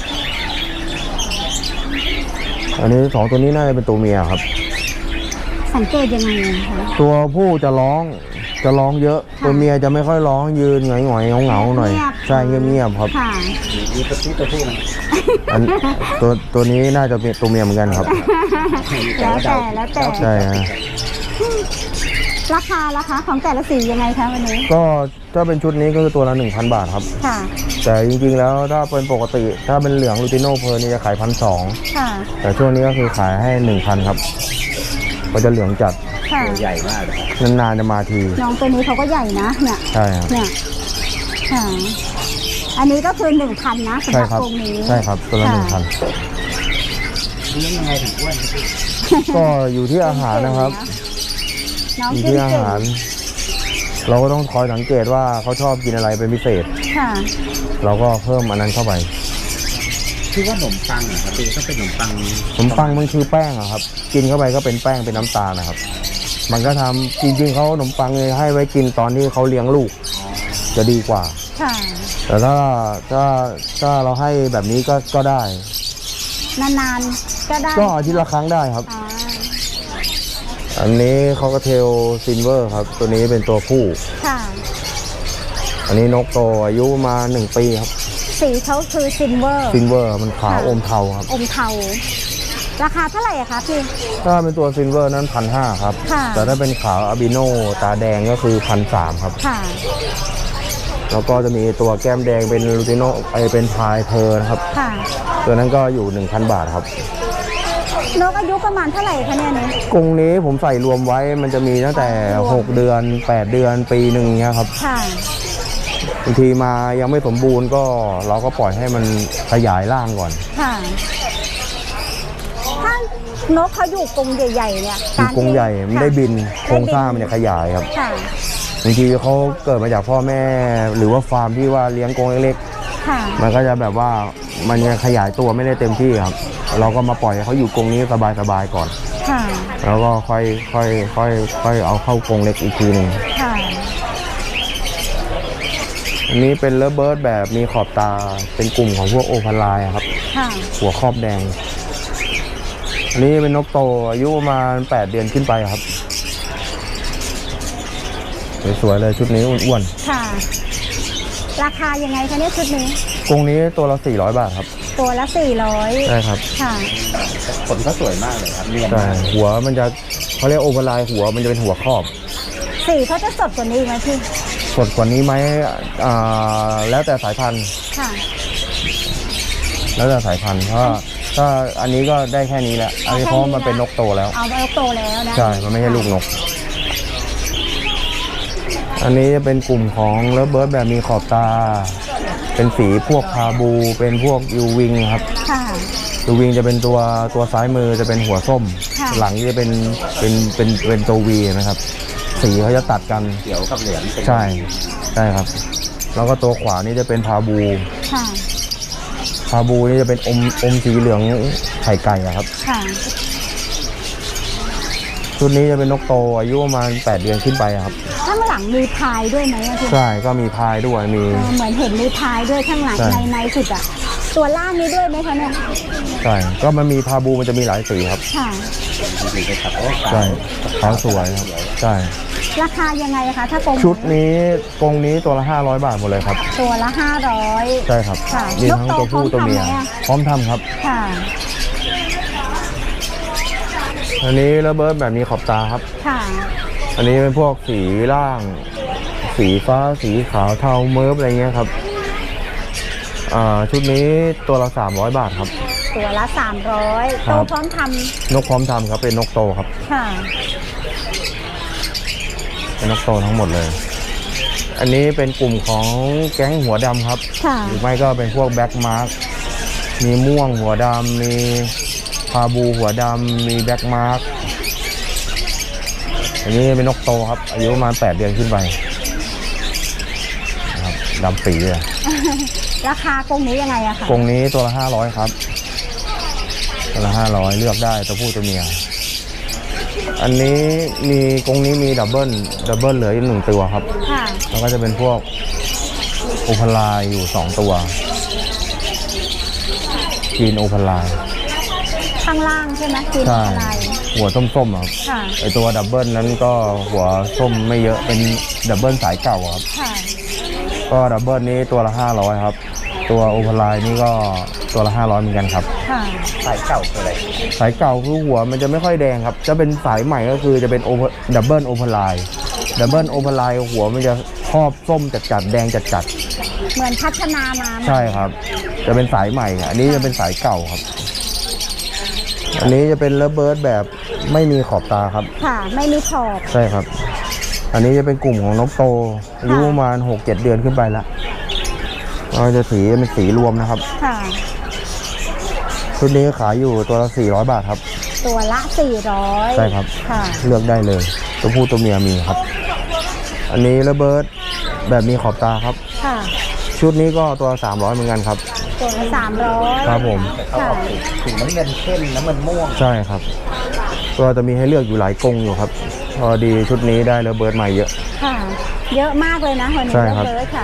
Speaker 1: อันนี้สองตัวนี้น่าจะเป็นตัวเมียครับ
Speaker 2: สังเกตยังไงอะคะ
Speaker 1: ตัวผู้จะร้องจะร้องเยอะ
Speaker 2: ค่ะ
Speaker 1: ตัวเมียจะไม่ค่อยร้องยืนหงอยๆเหงาๆหน่อย
Speaker 2: เงียบ
Speaker 1: ใช่เงียบๆครับ
Speaker 2: ค่ะ
Speaker 3: มีตัวผู้ตัวผู้ไหม
Speaker 1: อันตัวตัวนี้น่าจะเป็นตัวเมียเหมือนกันครับ
Speaker 2: แล้วแต่แล้วแต่
Speaker 1: ใช่ฮะ
Speaker 2: ราคาราคาของแต่ละสียังไงคะวันนี้
Speaker 1: ก็ถ้าเป็นชุดนี้ก็คือตัวละหนึ่งพันบาทครับ
Speaker 2: ค่ะ
Speaker 1: แต่จริงๆแล้วถ้าเป็นปกติถ้าเป็นเหลืองลูติโน่เพอร์นี่จะขายพันสอง
Speaker 2: ค่ะ
Speaker 1: แต่ช่วงนี้ก็คือขายให้หนึ่งพันครับก็จะเหลืองจัด
Speaker 2: ค่ะ
Speaker 3: ตัวใหญ่มากเลยครับ
Speaker 1: นานๆจะมาที
Speaker 2: น้องตัวนี้เขาก็ใหญ่นะ เนี่ย
Speaker 1: ใช่ครับ
Speaker 2: เนี่ย ค่ะ อันนี้ก็คือหนึ่งพันนะสำห
Speaker 1: ใช่
Speaker 2: รับ
Speaker 1: ครับ
Speaker 2: กรงนี้
Speaker 1: ใช่ครับตัวละหนึ่งพัน
Speaker 3: เลี้ยงยังไงถึงอ้วนครับพี่
Speaker 1: ก็อยู่ที่อาหารนะครับ
Speaker 2: น้อง
Speaker 1: อยู่
Speaker 2: กิน
Speaker 1: ที่อา
Speaker 2: เก่ง
Speaker 1: หาร เราก็ต้องคอยสังเกตว่าเขาชอบกินอะไรเป็นพิเศษ
Speaker 2: ค่ะ
Speaker 1: เราก็เพิ่มอันนั้นเข้าไป
Speaker 3: ที่ว่าขนมปังเหรอครับพี่ต้องเป็นขนมปัง
Speaker 1: ขนมปังมันคือแป้งอะครับ กินเข้าไปก็เป็นแป้งเป็นน้ำตาลนะครับ มันก็ทำจริงๆเขาขนมปังเลยให้ไว้กินตอนที่เขาเลี้ยงลูก จะดีกว่า
Speaker 2: ค่ะ
Speaker 1: แต่ถ้าถ้าถ้าเราให้แบบนี้ก็ก็ได้
Speaker 2: นานๆ ก็ได้
Speaker 1: ก็อาทิตย์ละครั้งได้ครับ
Speaker 2: อ่า
Speaker 1: อันนี้คอกเทลซินเวอร์ครับ ตัวนี้เป็นตัวผู้
Speaker 2: ค่ะ
Speaker 1: อันนี้นกโตอายุมาหนึ่งปีครับ
Speaker 2: สีเขาคือซิลเวอร์
Speaker 1: ซินเวอร์มันขาวอมเทาครับ
Speaker 2: อมเทา ราคาเท่าไหร่อะคะพี่
Speaker 1: ถ้าเป็นตัวซินเวอร์นั้นพันห้าครับ
Speaker 2: ค่ะ
Speaker 1: แต่ถ้าเป็นขาวอาบิโนตาแดงก็คือพันสามครับ
Speaker 2: ค่ะ
Speaker 1: แล้วก็จะมีตัวแก้มแดงเป็นลูติโนไอเป็นพายเพอร์นะครับ
Speaker 2: ค่ะ
Speaker 1: ตัวนั้นก็อยู่ หนึ่งพัน บาทครับ
Speaker 2: นกอายุประมาณเท่าไหร่คะเนี่ยเนี่ย
Speaker 1: กรงนี้ผมใส่รวมไว้มันจะมีตั้งแต่ หก เดือน แปด เดือนปีหนึ่งเนี้ยครับ
Speaker 2: ค่ะ
Speaker 1: บางทีมายังไม่สมบูรณ์ก็เราก็ปล่อยให้มันขยายร่างก่อน
Speaker 2: ค่ะ ถ้านกเขาอยู่กรงใหญ่ๆเนี่ย
Speaker 1: คือกรงใหญ่ไม่ได้บิน
Speaker 2: ค่ะ
Speaker 1: โครงสร้างมันจะขยายครับ
Speaker 2: ค่ะ
Speaker 1: บางทีเขาเกิดมาจากพ่อแม่ หรือว่าฟาร์มที่ว่าเลี้ยงกรงเล็ก
Speaker 2: ค่ะ
Speaker 1: ๆมันก็จะแบบว่ามันยังขยายตัวไม่ได้เต็มที่ครับ เราก็มาปล่อยให้เขาอยู่กรงนี้สบายๆก่อน
Speaker 2: ค่ะ
Speaker 1: แล้วก็ค่อยค่อยค่อยค่อยเอาเข้ากรงเล็กอีกทีหนึ่ง
Speaker 2: ค่ะ
Speaker 1: อันนี้เป็นเลิฟเบิร์ดแบบมีขอบตาเป็นกลุ่มของพวกโอพาลายครับ
Speaker 2: ค่ะ
Speaker 1: หัวครอบแดง อันนี้เป็นนกโตอายุประมาณแปดเดือนขึ้นไปครับ สวยๆเลยชุดนี้อ้วน
Speaker 2: ค่ะ ราคายังไงคะเนี่ยชุดนี้
Speaker 1: ๆกรงนี้ตัวละสี่ร้อยบาทครับ
Speaker 2: ตัวละสี่ร้อย
Speaker 1: ใช่ครับ
Speaker 2: ค่ะ
Speaker 3: ขนก็สวยมากเลยครับเนียน
Speaker 1: ใช่
Speaker 3: มาก
Speaker 1: หัวมันจะเขาเรียกโอพาลายหัวมันจะเป็นหัวครอบ
Speaker 2: สีเขาจะสดกว่านี้อีกไหมพี่
Speaker 1: สดกว่านี้ไหมอ่าแล้วแต่สายพันธุ์
Speaker 2: ค่ะ
Speaker 1: แล้วแต่สายพันธุ์เพราะว่าถ้าอันนี้ก็ได้แค่นี้แหละอันนี้เพราะมันเป็นนกโตแล้ว
Speaker 2: เอาไปโตแล้วนะ
Speaker 1: ใช่ มันไม่ใช่ลูกนก อันนี้จะเป็นกลุ่มของเลิฟเบิร์ดแบบมีขอบตา เป็นสีพวกพาบู เป็นพวกยูวิงครับ
Speaker 2: ค่ะ
Speaker 1: ยูวิงจะเป็นตัวตัวซ้ายมือจะเป็นหัวส้ม
Speaker 2: ค่ะ
Speaker 1: หลังจะเป็นเป็นเป็นเป็นตัววีนะครับ สีเขาจะตัดกัน
Speaker 3: เขียวกับเหลืองเป็น
Speaker 1: ใช่ ใช่ครับ แล้วก็ตัวขวานี่จะเป็นพาบู
Speaker 2: ค่ะ
Speaker 1: พาบูนี่จะเป็นอมอมสีเหลืองไข่ไก่อะครับ
Speaker 2: ค่ะ
Speaker 1: ชุดนี้จะเป็นนกโตอายุประมาณแปดเดือนขึ้นไปอะครับ
Speaker 2: ข้างหลังมีพายด้วยไหมอะพี่
Speaker 1: ใช่ ก็มีพายด้วย มี
Speaker 2: เออเหมือนเห็นมีพายด้วยข้างหลัง
Speaker 1: ใช่
Speaker 2: ในในสุดอะตัวล่างนี้ด้วยไหมคะเนี่ย
Speaker 1: ใช่ ก็มันมีพาบูมันจะมีหลายสีครับ
Speaker 2: ค่ะ
Speaker 3: จริงๆเป็นครับโอ้
Speaker 1: ใช่ขาวสวยครับ ใช่
Speaker 2: ราคายังไงคะถ้ากรง
Speaker 1: ชุดนี้กรงนี้ตัวละห้าร้อยบาทหมดเลยครับ
Speaker 2: ตัวละห้าร้อย
Speaker 1: ใช่ครับ
Speaker 2: ค่ะ
Speaker 1: มีทั้งตัวผู้ตัวเมีย
Speaker 2: นกโต
Speaker 1: พร้อมทำครับ
Speaker 2: ค่ะ
Speaker 1: อันนี้ระเบิดแบบนี้ขอบตาครับ
Speaker 2: ค่ะ
Speaker 1: อันนี้เป็นพวกสีล่าง สีฟ้าสีขาวเทาเมิร์ฟอะไรเงี้ยครับอ่าชุดนี้ตัวละสามร้อยบาทครับ
Speaker 2: ตัวละสามร้อย
Speaker 1: ครั
Speaker 2: โต
Speaker 1: บ
Speaker 2: พร้อมท
Speaker 1: นกพร้อมทำครับเป็นนกโตครับ
Speaker 2: ำค่ะ
Speaker 1: เป็นนกโตทั้งหมดเลย อันนี้เป็นกลุ่มของแก๊งหัวดำครับ
Speaker 2: ค่ะ
Speaker 1: หรือไม่ก็เป็นพวกแบ็กมาร์กมีม่วงหัวดำมีพาบูหัวดำมีแบ็กมาร์กอันนี้เป็นนกโตครับอายุประมาณแปดเดือนขึ้นไปนะครับดำปีเลย
Speaker 2: ราคากรงนี้ยังไงอะคะ
Speaker 1: กรงนี้ตัวละห้าร้อยครับตัวละห้าร้อยเลือกได้ตัวผู้ตัวเมีย อันนี้มีกรงนี้มีดับเบิลดับเบิลเหลืออีกหนึ่งตัวครับ
Speaker 2: ค่ะ
Speaker 1: แล้วก็จะเป็นพวกโอพาลายอยู่สองตัวกีนโอพาลาย
Speaker 2: ข้างล่างใช่ไหมกิน
Speaker 1: ใช่
Speaker 2: อะไร
Speaker 1: หัวส้มๆอะครับ
Speaker 2: ค่ะ
Speaker 1: ไอตัวดับเบิลนั้นก็หัวส้มไม่เยอะเป็นดับเบิลสายเก่าครับ
Speaker 2: ค่ะ
Speaker 1: ก็ดับเบิลนี้ตัวละห้าร้อยครับตัวโอพาลายนี่ก็ตัวละห้าร้อยเหมือนกันครับ
Speaker 2: ค่ะ
Speaker 3: สายเก่าคืออะไร
Speaker 1: สายเก่าคือหัวมันจะไม่ค่อยแดงครับจะเป็นสายใหม่ก็คือจะเป็นโอดับเบิลโอพาลายดับเบิลโอพาลายหัวมันจะครอบส้มจัดๆแดงจัดๆ
Speaker 2: เหมือนพัฒนามา
Speaker 1: ใช่ครับ จะเป็นสายใหม่ อันนี้จะเป็นสายเก่าครับ อันนี้จะเป็นเลเบิร์ดแบบไม่มีขอบตาครับ
Speaker 2: ค่ะ ไม่มีขอบ
Speaker 1: ใช่ครับ อันนี้จะเป็นกลุ่มของนกโตอายุประมาณหกเจ็ดเดือนขึ้นไปละก็จะสีเป็นสีรวมนะครับ
Speaker 2: ค่ะ
Speaker 1: ชุดนี้ขายอยู่ตัวละสี่ร้อยบาทครับ
Speaker 2: ตัวละสี่ร้อย
Speaker 1: ใช่ครับ
Speaker 2: ค่ะ
Speaker 1: เลือกได้เลย ตัวผู้ตัวเมียมีครับ อันนี้เลเบิร์ดแบบมีขอบตาครับ
Speaker 2: ค่ะ
Speaker 1: ชุดนี้ก็ตัวสามร้อยเหมือนกันครับ
Speaker 2: ตัวละสามร้อย
Speaker 1: ครับผม
Speaker 3: เขาออกสีสีน้ำเงินเข้มน้ำเงินม่วง
Speaker 1: ใช่ครับก็จะมีให้เลือกอยู่หลายกรงอยู่ครับพอดีชุดนี้ได้ระเบิดใหม่เยอะ
Speaker 2: ค่ะ เยอะมากเลยนะวันนี้
Speaker 1: ใช่ครับ
Speaker 2: เลยค่ะ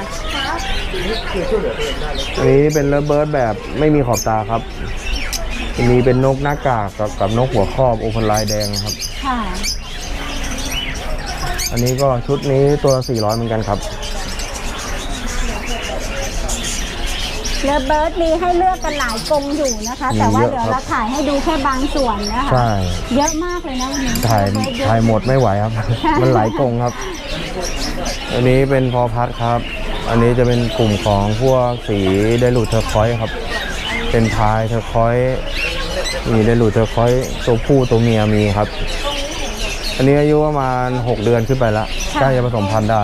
Speaker 1: อันนี้เป็นระเบิดแบบไม่มีขอบตาครับอันนี้เป็นนกหน้ากากกับกับนกหัวครอบโอพันลายแดงครับ
Speaker 2: ค่ะ
Speaker 1: อันนี้ก็ชุดนี้ตัวละสี่ร้อยเหมือนกันครับ
Speaker 2: เลเบิร์ดมีให้เลือกกันหลายกรงอยู่นะคะ แต่ว่า
Speaker 1: มีเยอะ
Speaker 2: เดี๋ยว
Speaker 1: ครับ
Speaker 2: เราถ่ายให้ดูแค่บางส่วนนะคะ
Speaker 1: ใช่
Speaker 2: เยอะมากเลยนะวันนี้
Speaker 1: ถ่าย
Speaker 2: เลเบิร์ดเอะ
Speaker 1: ถ่ายหมดไม่ไหวครับ มันหลายกรงครับ อันนี้เป็นพอพัดครับ อันนี้จะเป็นกลุ่มของพวกสีไดรูดเทอร์คอยส์ครับ เป็นพายเทอร์คอยส์มีไดรูดเทอร์คอยส์ตัวผู้ตัวเมียมีครับ อันนี้อายุประมาณหกเดือนขึ้นไปแล้วใกล้จะผสมพันธุ์ได้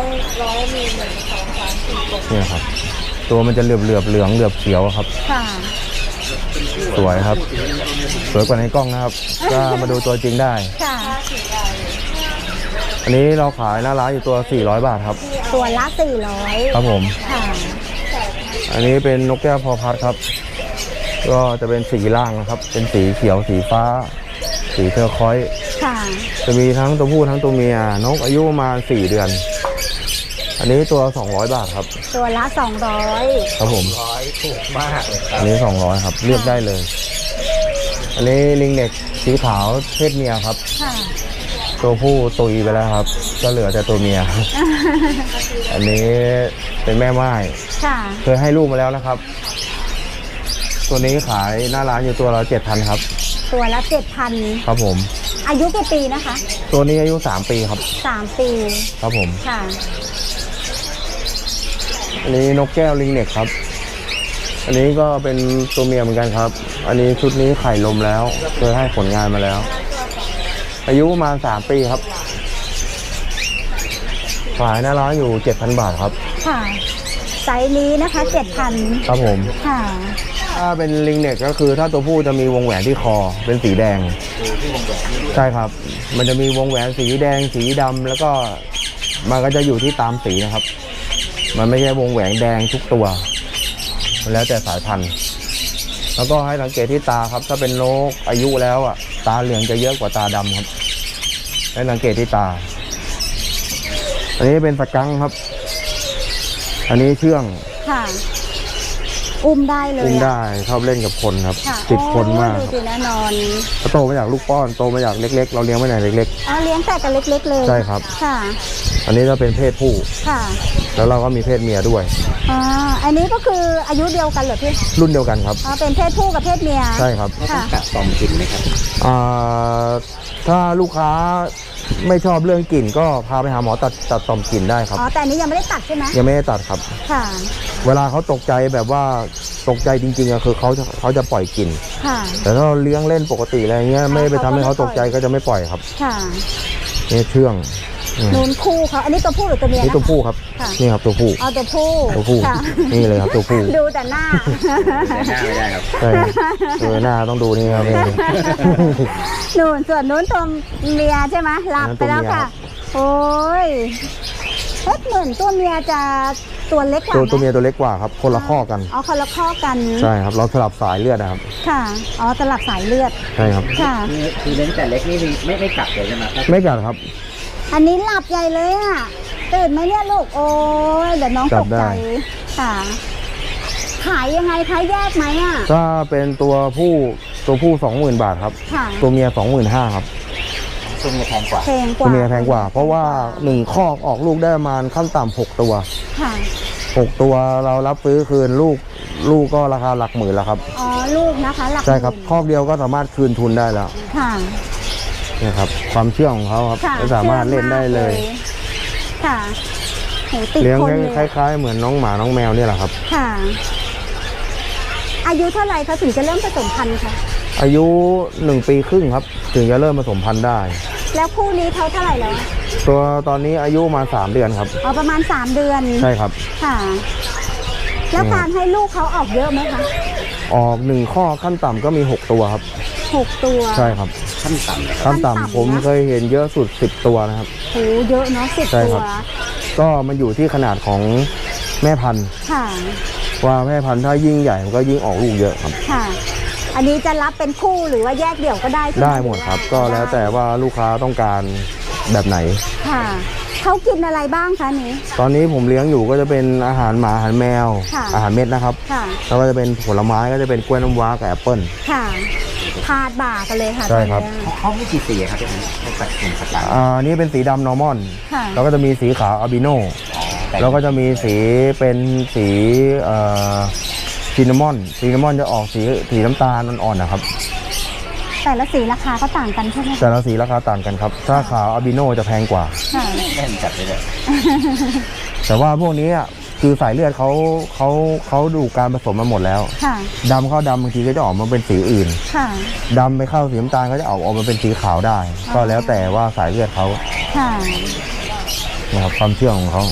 Speaker 1: เนี่ยครับ ตัวมันจะเหลือบเหลือบๆเหลืองเหลือบเขียวครับ
Speaker 2: ค่ะ
Speaker 1: สวยครับ สวยกว่าในกล้องนะครับ ก็มาดูตัวจริงได้
Speaker 2: ค่ะ
Speaker 1: อันนี้เราขายหน้าร้านอยู่ตัวสี่ร้อยบาทครับ
Speaker 2: ตัวละสี่ร้อย
Speaker 1: ครับผม
Speaker 2: ค่ะ
Speaker 1: อันนี้เป็นนกแก้วพอพัดครับ ก็จะเป็นสีล่างนะครับ เป็นสีเขียวสีฟ้า สีเทอร์คอยส์
Speaker 2: ค่ะ
Speaker 1: จะมีทั้งตัวผู้ทั้งตัวเมีย นกอายุประมาณสี่เดือน อันนี้ตัวสองร้อยบาทครับ
Speaker 2: ตัวละสองร้อย
Speaker 1: ครับผม
Speaker 3: ร้อยถูกมากเลย
Speaker 1: อันนี้สองร้อยครับ เลือกได้เลย อันนี้ลิงเน็กสีขาวเพศเมียครับ
Speaker 2: ค่ะ
Speaker 1: ตัวผู้ตุยไปแล้วครับ ก็เหลือแต่ตัวเมีย อันนี้เป็นแม่ไม้
Speaker 2: ค่ะ
Speaker 1: เคยให้ลูกมาแล้วนะครับ ตัวนี้ขายหน้าร้านอยู่ตัวละเจ็ดพันครับ
Speaker 2: ตัวละเจ็ดพัน
Speaker 1: ครับผม
Speaker 2: อายุกี่ปีนะคะ
Speaker 1: ตัวนี้อายุสามปีครับ
Speaker 2: สามปี
Speaker 1: ครับผม
Speaker 2: ค่ะ
Speaker 1: อันนี้นกแก้วลิงเน็กครับ อันนี้ก็เป็นตัวเมียเหมือนกันครับ อันนี้ชุดนี้ไข่ลมแล้ว เคยให้ผลงานมาแล้ว อายุประมาณสามปีครับ ขายหน้าร้านอยู่เจ็ดพันบาทครับ
Speaker 2: ค่ะ ไซส์นี้นะคะเจ็ดพัน
Speaker 1: ครับผม
Speaker 2: ค่ะ
Speaker 1: ถ้าเป็นลิงเน็กก็คือถ้าตัวผู้จะมีวงแหวนที่คอเป็นสีแดง ใช่ครับ มันจะมีวงแหวนสีแดงสีดำแล้วก็มันก็จะอยู่ที่ตามสีนะครับ มันไม่ใช่วงแหวนแดงทุกตัว มันแล้วแต่สายพันธุ์ แล้วก็ให้สังเกตที่ตาครับ ถ้าเป็นนกอายุแล้วอ่ะ ตาเหลืองจะเยอะกว่าตาดำครับ ให้สังเกตที่ตา อันนี้เป็นสกังค์ครับ อันนี้เชื่อง
Speaker 2: ค่ะ
Speaker 1: ป
Speaker 2: อุ้มได้เลย
Speaker 1: อุ้ม
Speaker 2: อะ
Speaker 1: ได้ชอบเล่นกับคนครับ
Speaker 2: ค่ะ
Speaker 1: ติดคนมาก
Speaker 2: โอ้ดูสิแน่นอน
Speaker 1: เขาโตมาจากลูกป้อนโตมาจากเล็ก ๆ เราเลี้ยงไว้ไหนเล็ก
Speaker 2: อ๋อเลี้ยงแต่กันเล็กๆเลย
Speaker 1: ใช่ครับ
Speaker 2: ค่ะ
Speaker 1: ๆ อันนี้จะเป็นเพศผู้
Speaker 2: ค่ะ
Speaker 1: แล้วเราก็มีเพศเมียด้วย
Speaker 2: อ่าอันนี้ก็คืออายุเดียวกันเหรอพี่
Speaker 1: รุ่นเดียวกันครับ
Speaker 2: อ๋อเป็นเพศผู้กับเพศเมีย
Speaker 1: ใช่ครับ
Speaker 3: ต้อง
Speaker 2: ค่ะ
Speaker 3: กัดตอมกินไหมครับ
Speaker 1: อ่าถ้าลูกค้าไม่ชอบเรื่องกลิ่นก็พาไปหาหมอตัดตัดต่อมกลิ่นได้ครับ
Speaker 2: อ๋อแต่อันนี้ยังไม่ได้ตัดใช่ไหม
Speaker 1: ยังไม่ได้ตัดครับ
Speaker 2: ค่ะ
Speaker 1: เวลาเขาตกใจแบบว่าตกใจจริงๆอะคือเขาจะเขาจะปล่อยกลิ่น
Speaker 2: ค่ะ
Speaker 1: แต่ถ้าเราเลี้ยงเล่นปกติอะไรเงี้ยไม่ไปทำให้เขาตกใจก็จะไม่ปล่อยครับ
Speaker 2: ค่ะ
Speaker 1: นี่เชื่องอืม
Speaker 2: นูนคู่เขาอันนี้ตัวผู้หรือตัวเมีย
Speaker 1: นี่
Speaker 2: นะ
Speaker 1: ตัวผู้ครับ
Speaker 2: ค่ะ
Speaker 1: นี่ครับตัวผู้
Speaker 2: อ๋อตัวผู้
Speaker 1: ตัวผู้
Speaker 2: ค่ะ
Speaker 1: นี่เลยครับตัวผู้
Speaker 2: ดูแต่หน้า
Speaker 3: แต่หน้าไม่ได้ครับ
Speaker 1: ใช่ดูหน้าต้องดูนี่ครับนี่
Speaker 2: นูนส่วนนู้นตัวเมียใช่ไหมหลับไปแล้วค่ะ โอ้ยเอ๊ะเหมือนตัวเมียจะตัวเล็กกว่า
Speaker 1: ตัว
Speaker 2: ไห
Speaker 1: ตัวเมียตัวเล็กกว่าครับ คนละข้อกัน
Speaker 2: อ๋อคนละข้อกัน
Speaker 1: ใช่ครับ เราสลับสายเลือดนะครับ
Speaker 2: ค่ะ อ๋อสลับสายเลือด
Speaker 1: ใช่ครับ
Speaker 2: ค่ะ
Speaker 3: คือคือเลี้ยงแต่เล็กนี่ไม่ไม่กัดเลยใช่ไหมครับ
Speaker 1: ไม่กัดครับ
Speaker 2: อันนี้หลับใหญ่เลยอ่ะ ตื่นไหมเนี่ยลูก โอ้ยเดี๋ยวน้อง
Speaker 1: จั
Speaker 2: ต
Speaker 1: บ
Speaker 2: ก
Speaker 1: ได้
Speaker 2: ใจ ค่ะ ขายยังไงคะแยกไหมอ่ะ
Speaker 1: ถ้าเป็นตัวผู้ตัวผู้สองหมื่นบาทครับ
Speaker 2: ค่ะ
Speaker 1: ตัวเมียสองหมื่นห้าครับ
Speaker 3: ตัวเมียแพงกว่า
Speaker 2: แพงก
Speaker 1: ตัว
Speaker 2: ว่า
Speaker 1: เมียแพงกว่า เพราะว่าหนึ่งคอกออกลูกได้ประมาณขั้นต่ำหกตัว
Speaker 2: ค่ะ
Speaker 1: หกตัวเรารับซื้อคืนลูกลูกก็ราคาหลักหมื่นแล้วครับ
Speaker 2: อ๋อ ลูกนะคะ หลัก
Speaker 1: ใช่ครับ
Speaker 2: หมื่น
Speaker 1: คอกเดียวก็สามารถคืนทุนได้แล้ว
Speaker 2: ค่ะ
Speaker 1: นี่ครับความเชื่องของเขาครับ
Speaker 2: ค่ะ
Speaker 1: ไม่สามารถเล่นได้เลย
Speaker 2: ชื่อมากค่ะโหติด
Speaker 1: เลี้ยง
Speaker 2: คนเลย
Speaker 1: คล้ายๆ เหมือนน้องหมาน้องแมวเนี่ยแหละครับ
Speaker 2: ค่ะ อายุเท่าไหร่คะถึงจะเริ่มผสมพันธุ์คะ
Speaker 1: อายุหนึ่งปีครึ่งครับ ถึงจะเริ่มผสมพันธุ์ได้
Speaker 2: แล้วคู่นี้เขาเท่าไหร่แล้ว
Speaker 1: ตัวตอนนี้อายุมาสามเดือนครับ
Speaker 2: อ๋อประมาณสามเดือน
Speaker 1: ใช่ครับ
Speaker 2: ค่ะ แล้ว
Speaker 1: อืม
Speaker 2: การให้ลูกเขาออกเยอะไหมคะ
Speaker 1: ออกหนึ่งข้อขั้นต่ำก็มีหกตัวครับ
Speaker 2: หกตัว
Speaker 1: ใช่ครับ
Speaker 3: ขั้นต่ำเลยครับ
Speaker 1: ขั้น
Speaker 2: ขั้นต่ำ
Speaker 1: ต่ำผม
Speaker 2: นะ
Speaker 1: เคยเห็นเยอะสุดสิบตัวนะครับ
Speaker 2: โหเยอะเนาะสิบ
Speaker 1: ใช่
Speaker 2: ตั
Speaker 1: คว รับ ก็มันอยู่ที่ขนาดของแม่พันธุ์
Speaker 2: ค่ะ
Speaker 1: ว่าแม่พันธุ์ถ้ายิ่งใหญ่มันก็ยิ่งออกลูกเยอะครับ
Speaker 2: ค่ะ อันนี้จะรับเป็นคู่หรือว่าแยกเดี่ยวก็ได้ใช่ไหม
Speaker 1: ได้หมดครับ ก็แล้วแต่ว่าลูกค้าต้องการแบบไหน
Speaker 2: ค่ะเขากินอะไรบ้างคะนี้
Speaker 1: ตอนนี้ผมเลี้ยงอยู่ก็จะเป็นอาหารหมาอาหารแมว
Speaker 2: ค่ะ
Speaker 1: อาหารเม็ดนะครับ
Speaker 2: ค่ะ
Speaker 1: แล้วก็จะเป็นผลไม้ก็จะเป็นกล้วยน้ำว้ากับแอปเปิ้ล
Speaker 2: ค่ะพาดบ่ากันเลยค่ะ
Speaker 1: ใช่ครับ
Speaker 2: ตอนนี้
Speaker 3: เขาไม่กี่สีครับที่เขาตัดกลุ่มสกัด
Speaker 1: อ่านี่เป็นสีดำนอร์มอน
Speaker 2: ค่ะ
Speaker 1: แล้วก็จะมีสีขาวอาบิโน แล้วก็จะมีสีเป็นสีเอ่อซินนามอนซินนามอนจะออกสีสีน้ำตาลอ่อนๆนะครับ
Speaker 2: แต่ละสีราคาก็ต่างกันใช่ไหมคะ
Speaker 1: แต่ละสีราคาต่างกันครับ ถ้าขาวอาบิโนจะแพงกว่า
Speaker 2: ค่ะ
Speaker 3: เล่นจัดเลยเลย
Speaker 1: แต่ว่าพวกนี้อะคือสายเลือดเขาเขาเขาดูการผสมมาหมดแล้ว
Speaker 2: ค่ะ
Speaker 1: ดำเข้าดำบางทีก็จะออกมาเป็นสีอื่น
Speaker 2: ค่ะ
Speaker 1: ดำไปเข้าสีน้ำตาลก็จะออกออกมาเป็นสีขาวได้ ก็แล้วแต่ว่าสายเลือดเขา
Speaker 2: ค่ะ
Speaker 1: นะครับความเชื่อของเขา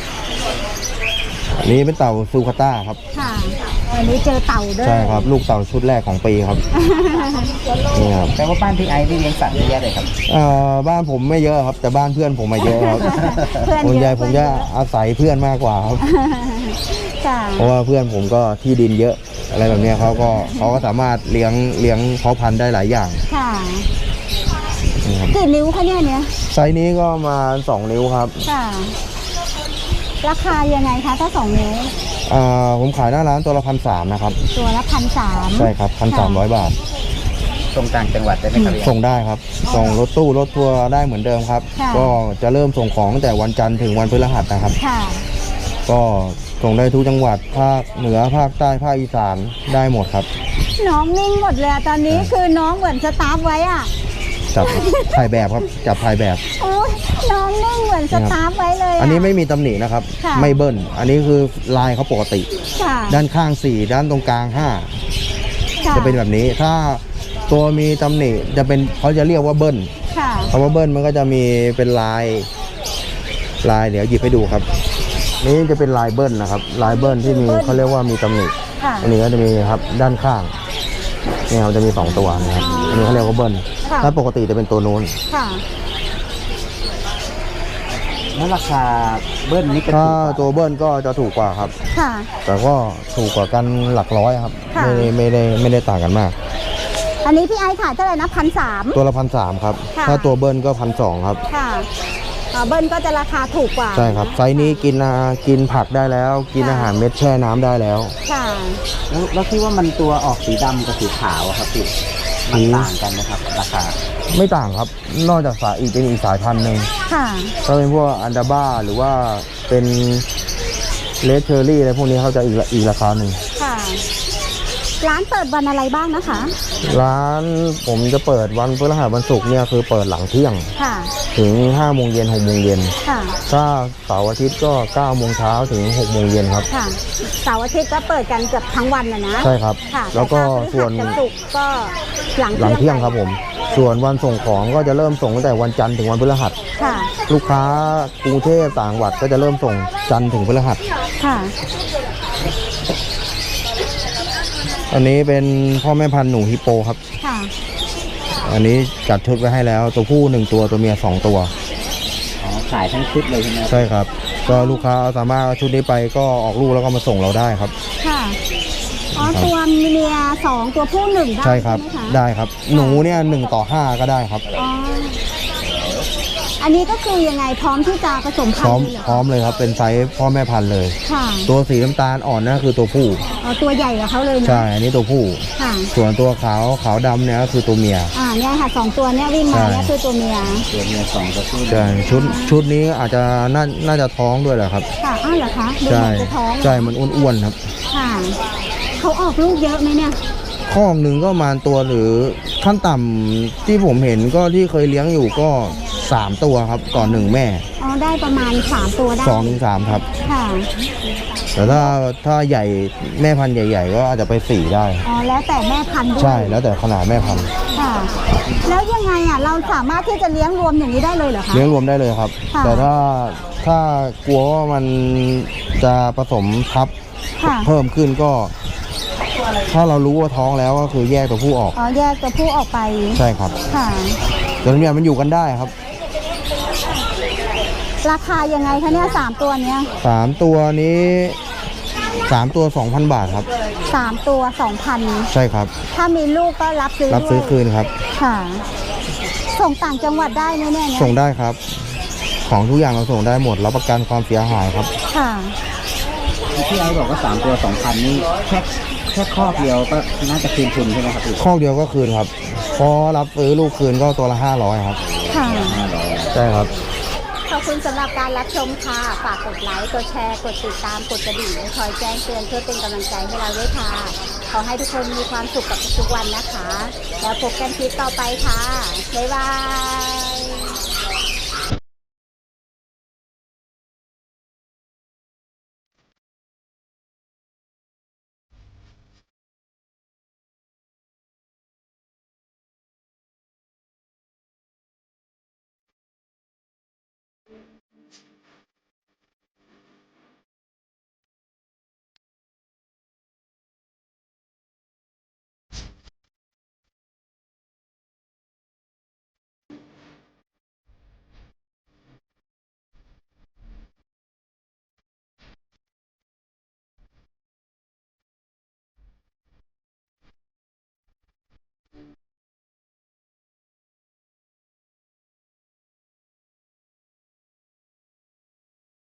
Speaker 1: อันนี้เป็นเต่าซูคาต้าครับ
Speaker 2: ค่ะวันนี้เจอเต่าด้วย
Speaker 1: ใช่ครับ ลูกเต่าชุดแรกของปีครับนี่ครับ
Speaker 3: แปลว่าบ้านพี่ไอซ์ที่เลี้ยงสัตว์เยอะแยะเลยครับ
Speaker 1: เอ่อบ้านผมไม่เยอะครับ แต่บ้านเพื่อนผมมาเยอะครับ
Speaker 2: เพื่อน
Speaker 1: ส่วน
Speaker 2: เย
Speaker 1: ใหญ่
Speaker 2: อะ
Speaker 1: ผมจะอาศัยเพื่อนมากกว่าครับ
Speaker 2: ค่ะ
Speaker 1: เพราะว่าเพื่อนผมก็ที่ดินเยอะอะไรแบบเนี้ยเขาก็เขาก็สามารถเลี้ยงเลี้ยงเพาะพันธุ์ได้หลายอย่าง
Speaker 2: ค่ะ
Speaker 1: นะครับ
Speaker 2: กี่นิ้วคะเนี่ยเนี่ย
Speaker 1: ไซส์นี้ก็มาสองนิ้วครับ
Speaker 2: ค่ะ ราคายังไงคะถ้าสองนิ้ว
Speaker 1: อ่าผมขายหน้าร้านตัวละพันสามนะครับ
Speaker 2: ตัวละพันสาม
Speaker 1: ใช่ครับพันสามร้อยบาท
Speaker 3: ตรงต่างจังหวัดได้ไหมครับพี่ไอซ์
Speaker 1: ส่งได้ครับ ส่งรถตู้รถทัวร์ได้เหมือนเดิมครับ ก็จะเริ่มส่งของตั้งแต่วันจันทร์ถึงวันพฤหัสนะครับ
Speaker 2: ค่ะ
Speaker 1: ก็ส่งได้ทุกจังหวัดภาคเหนือภาคใต้ภาคอีสานได้หมดครับ
Speaker 2: น้องนิ่งหมดเลยอะตอนนี้คือน้องเหมือนสตาร์ฟไว้อ่ะ
Speaker 1: จับถ่ายแบบครับจับถ่ายแบบ
Speaker 2: โอ้ยน้องนิ่งเหมือนสตาร์ฟไว้เลยะ
Speaker 1: อันนี้ไม่มีตำหนินะครับ
Speaker 2: ค่ะ
Speaker 1: ไม่เบิ้ลอันนี้คือลายเขาปกติ
Speaker 2: ค่ะ
Speaker 1: ด้านข้างสี่ด้านตรงกลางห้า
Speaker 2: ค่
Speaker 1: จะเป็นแบบนี้ ถ้าตัวมีตำหนิจะเป็นเขาจะเรียกว่าเบิ้ล
Speaker 2: ค่ะ
Speaker 1: คำว่าเบิ้ลมันก็จะมีเป็นลายลายเดี๋ยวหยิบให้ดูครับ นี่จะเป็นลายเบิ้ลนะครับลายเบิ้ลที่มีเขาเรียกว่ามีตำหนิ
Speaker 2: ค่ะ
Speaker 1: อันนี้ก็จะมีครับด้านข้างเนี่ยครับจะมีสองตัวนะครับอันนี้เขาเรียกว่าเบิ้ล
Speaker 2: ค่ะ
Speaker 1: ถ้าปกติจะเป็นตัวนู้น
Speaker 2: ค่ะ
Speaker 3: แล้วราคาเบิ้ลนี่ก็
Speaker 1: ถ้า
Speaker 3: ถูกกว่า
Speaker 1: ตัวเบิ้ลก็จะถูกกว่าครับ
Speaker 2: ค่ะ
Speaker 1: แต่ก็ถูกกว่ากันหลักร้อยครับ
Speaker 2: ค่ะ
Speaker 1: ไม่ได้ไม่ได้ไม่ได้ต่างกันมาก
Speaker 2: อันนี้พี่ไอซ์ขายเท่าไหร่นะพันสาม
Speaker 1: ตัวละพันสามครับ
Speaker 2: ค่ะ
Speaker 1: ถ้าตัวเบิ้ลก็พันสองครับ
Speaker 2: ค่ะอ่าเบิ้ลก็จะราคาถูกกว่า
Speaker 1: ใช่ครับไซส์นี้กินอากินผักได้แล้ว กินอาหารเม็ดแช่น้ำได้แล้ว
Speaker 2: ค่ะ
Speaker 3: แล้วแล้วที่ว่ามันตัวออกสีดำกับสีขาวอะครับพี่มันต่างกันนะครับราคา
Speaker 1: ไม่ต่างครับ นอกจากสายอีกเป็นอีกสายพันธุ์หนึ่ง
Speaker 2: ค่ะ
Speaker 1: ก็เป็นพวกอันดาบ้าหรือว่าเป็นเลดเชอรี่อะไรพวกนี้เขาจะอีกละอีกราคาหนึ่ง
Speaker 2: ค่ะ ร้านเปิดวันอะไรบ้างนะคะ
Speaker 1: ร้านผมจะเปิดวันพฤหัสวันศุกร์เนี่ยคือเปิดหลังเที่ยง
Speaker 2: ค่ะ
Speaker 1: ถึงห้าโมงเย็นหกโมงเย็น
Speaker 2: ค่ะ
Speaker 1: ถ้าเสาร์อาทิตย์ก็เก้าโมงเช้าถึงหกโมงเย็นครับ
Speaker 2: ค่ะเสาร์อาทิตย์ก็เปิดกันเกือบทั้งวันนะนะ
Speaker 1: ใช่ครับ
Speaker 2: ค่ะ
Speaker 1: แล้วก็
Speaker 2: ต่ถ้าพฤ
Speaker 1: ส่วน
Speaker 2: หัสศุกร์ก็หลัง
Speaker 1: หลังเที่ยง
Speaker 2: ไป
Speaker 1: ครับผม ส่วนวันส่งของก็จะเริ่มส่งตั้งแต่วันจันทร์ถึงวันพฤหัส
Speaker 2: ค่ะ
Speaker 1: ลูกค้ากรุงเทพต่างจังหวัดก็จะเริ่มส่งจันทร์ถึงพฤหัส
Speaker 2: ค่ะ
Speaker 1: อันนี้เป็นพ่อแม่พันธุ์หนูฮิปโปครับ
Speaker 2: ค่ะ
Speaker 1: อันนี้จัดชุดไว้ให้แล้วตัวผู้หนึ่งตัวตัวเมียสองตัว
Speaker 3: อ๋อขายทั้งชุดเลยใช่ไหมครับ
Speaker 1: ใช่ครับ ก็ลูกค้าสามารถเอาชุดนี้ไปก็ออกลูกแล้วก็มาส่งเราได้ครับ
Speaker 2: ค่ะ อ๋อ ตัวเมียสองตัวผู้หนึ่งได้
Speaker 1: ใช่ครับ
Speaker 2: ไหมคะ
Speaker 1: ได้ครับ หนูเนี่ยหนึ่งต่อห้าก็ได้ครับ
Speaker 2: อ๋อ อันนี้ก็คือยังไงพร้อมที่จะผสม
Speaker 1: พ
Speaker 2: พัน
Speaker 1: ร้อม
Speaker 2: ธุ์เลยเหรอ
Speaker 1: พร้อมเลยครับ เป็นไซส์พ่อแม่พันธุ์เลย
Speaker 2: ค่ะ
Speaker 1: ตัวสีน้ำตาลอ่อนนั่นคือตัวผู้
Speaker 2: อ๋อ ตัวใหญ่กว่าเขาเลยนะ
Speaker 1: ใช่ อันนี้ตัวผู้
Speaker 2: ค่ะ
Speaker 1: ส่วนตัวขาวขาวดำเนี่ยก็คือตัวเมีย
Speaker 2: อ่า เนี่ยค่ะสองตัวเนี่ยวิ่งมา
Speaker 1: ใช่
Speaker 2: เนี่ยคือตัวเมีย
Speaker 3: ตัวเมียสองตัวผู้
Speaker 1: ใช่ ชุดชุดนี้อาจจะน่าน่าจะท้องด้วยแหละครับ
Speaker 2: ค่ะ อ้าวเหรอคะดู
Speaker 1: ใช่
Speaker 2: เหมือนจะท้อง
Speaker 1: ใช่ มันอ้วนๆครับ
Speaker 2: ค่ะ เขาออกลูกเยอะไหมเนี่ย
Speaker 1: ข้องหนึ่งก็ประมาณตัวหรือขั้นต่ำที่ผมเห็นก็ที่เคยเลี้ยงอยู่ก็สามตัวครับต่อหนึ่งแม่
Speaker 2: อ๋อ ได้ประมาณสามตัวได้
Speaker 1: สองถึงสามครับ
Speaker 2: ค่ะ
Speaker 1: แต่ถ้าถ้าใหญ่แม่พันธุ์ใหญ่ ๆ ก็อาจจะไปสี่ได้
Speaker 2: อ๋อ แล้วแต่แม่พันธุ์ด้วย
Speaker 1: ใช่แล้วแต่ขนาดแม่พันธุ์
Speaker 2: ค่ะ แล้วยังไงอ่ะ เราสามารถที่จะเลี้ยงรวมอย่างนี้ได้เลยเหรอคะ
Speaker 1: เลี้ยงรวมได้เลยครับ
Speaker 2: ค่ะ
Speaker 1: แต่ถ้าถ้ากลัวว่ามันจะผสมทับ
Speaker 2: ค่ะ
Speaker 1: เพิ่มขึ้นก็ ถ้าเรารู้ว่าท้องแล้วก็คือแยกตัวผู้ออก
Speaker 2: อ๋อ แยกตัวผู้ออกไป
Speaker 1: ใช่ครับ
Speaker 2: ค่ะ
Speaker 1: แต่ตัวเมียมันอยู่กันได้ครับ
Speaker 2: ราคายังไงคะเนี่ยสามตัวเนี้ย
Speaker 1: สามตัวนี้สามตัวสองพันบาทครับ
Speaker 2: สามตัวสองพัน
Speaker 1: ใช่ครับ
Speaker 2: ถ้ามีลูกก็รับซื้อ
Speaker 1: รับซื้อ
Speaker 2: ด้วย
Speaker 1: คืนครับ
Speaker 2: ค่ะ ส่งต่างจังหวัดได้ไหมเนี่ยเนี่ย
Speaker 1: ส่งได้ครับ ของทุกอย่างเราส่งได้หมดรับประกันความเสียหายครับ
Speaker 2: ค่ะ
Speaker 3: ที่ไอ้บอกว่าสามตัวสองพันนี่แค่แค่ครอบเดียวก็น่าจะคืนทุนใช่ไหมครับพี่
Speaker 1: ข้อเดียวก็คืนครับ พอรับซื้อลูกคืนก็ตัวละห้าร้อยครับ
Speaker 2: ค่ะ
Speaker 3: ห้าร้อย
Speaker 1: ใช่ครับ
Speaker 2: ขอบคุณสำหรับการรับชมค่ะ ฝากกดไลค์ กดแชร์ กดติดตาม กดกระดิ่งคอยแจ้งเตือนเพื่อเป็นกำลังใจให้เราด้วยค่ะ ขอให้ทุกคนมีความสุขกับทุกๆวันนะคะ แล้วพบกันคลิปต่อไปค่ะ บ๊ายบาย